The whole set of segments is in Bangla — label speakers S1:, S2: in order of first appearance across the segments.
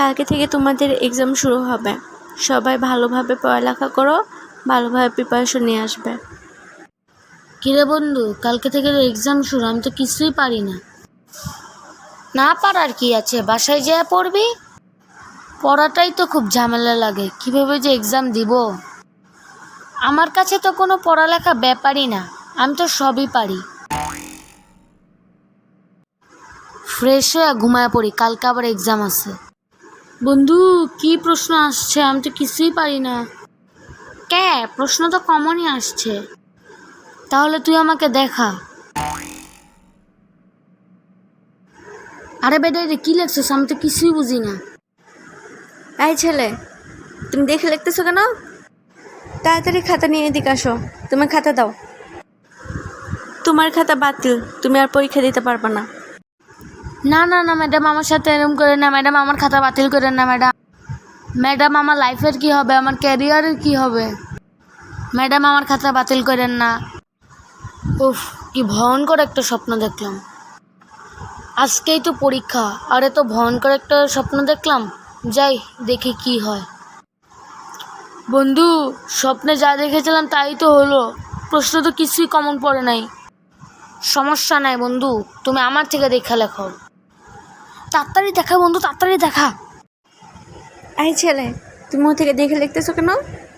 S1: কালকে থেকে তোমাদের এক্সাম শুরু হবে। সবাই ভালোভাবে পড়ালেখা করো, ভালোভাবে প্রিপারেশন নিয়ে আসবে।
S2: কিরে বন্ধু, কালকে থেকে তো এক্সাম শুরু, আমি তো কিছুই পারি না। না পারার কি আছে, বাসায় যেয়ে পড়বি। পড়াটাই তো খুব ঝামেলা লাগে, কিভাবে যে এক্সাম দিব। আমার কাছে তো কোনো পড়ালেখা ব্যাপারই না, আমি তো সবই পারি। ফ্রেশ হয়ে ঘুমায় পড়ি, কালকে আবার এক্সাম আছে। বন্ধু, কি প্রশ্ন আসছে, আমি তো কিছুই পারি না। কে, প্রশ্ন তো কমনই আসছে। তাহলে তুই আমাকে দেখা। আরে বেটা, রে কি লেখছিস, আমি তো কিছুই বুঝি না।
S1: এই ছেলে, তুমি দেখে লিখতেছো কেন? তাড়াতাড়ি খাতা নিয়ে এদিকে আসো। তোমার খাতা দাও। তোমার খাতা বাতিল, তুমি আর পরীক্ষা দিতে পারবে না।
S2: না না না ম্যাডাম, আমার সাথে এরকম করে না ম্যাডাম, আমার খাতা বাতিল করেন না ম্যাডাম। ম্যাডাম, আমার লাইফের কি হবে, আমার ক্যারিয়ারের কি হবে? ম্যাডাম, আমার খাতা বাতিল করেন না। উফ, কি ভয়ঙ্কর একটা স্বপ্ন দেখলাম। আজকেই তো পরীক্ষা, আরে তো ভয়ঙ্কর একটা স্বপ্ন দেখলাম। যাই দেখি কি হয়। বন্ধু, স্বপ্নে যা দেখেছিলাম তাই তো হলো। প্রশ্ন তো কিছুই কমন পড়ে নাই। সমস্যা নাই বন্ধু, তুমি আমার থেকে দেখা লেখো। তাড়াতাড়ি দেখা বন্ধু, তাড়াতাড়ি দেখা।
S1: এই ছেলে, তুমি ও থেকে দেখে লিখতেছো কেন?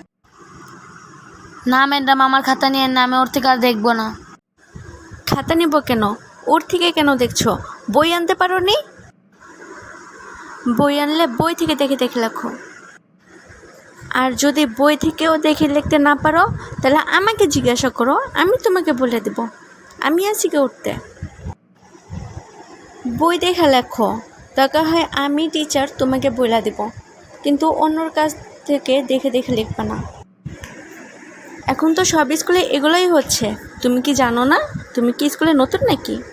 S2: না ম্যাডাম, আমার খাতা নিয়ে না, আমি ওর থেকে আর দেখবো না।
S1: খাতা নিব কেন? ওর থেকে কেন দেখছো? বই আনতে পারো নি? বই আনলে বই থেকে দেখে দেখে লেখো। আর যদি বই থেকেও দেখে লিখতে না পারো, তাহলে আমাকে জিজ্ঞাসা করো, আমি তোমাকে বলে দেব। আমি আছি কে উঠতে। বই দেখে লেখো, দরকার হয় আমি টিচার তোমাকে বলে দেব, কিন্তু অন্যর কাছ থেকে দেখে দেখে লিখবে না। এখন তো সব স্কুলে এগুলোই হচ্ছে, তুমি কি জানো না? তুমি কি স্কুলে নতুন নাকি?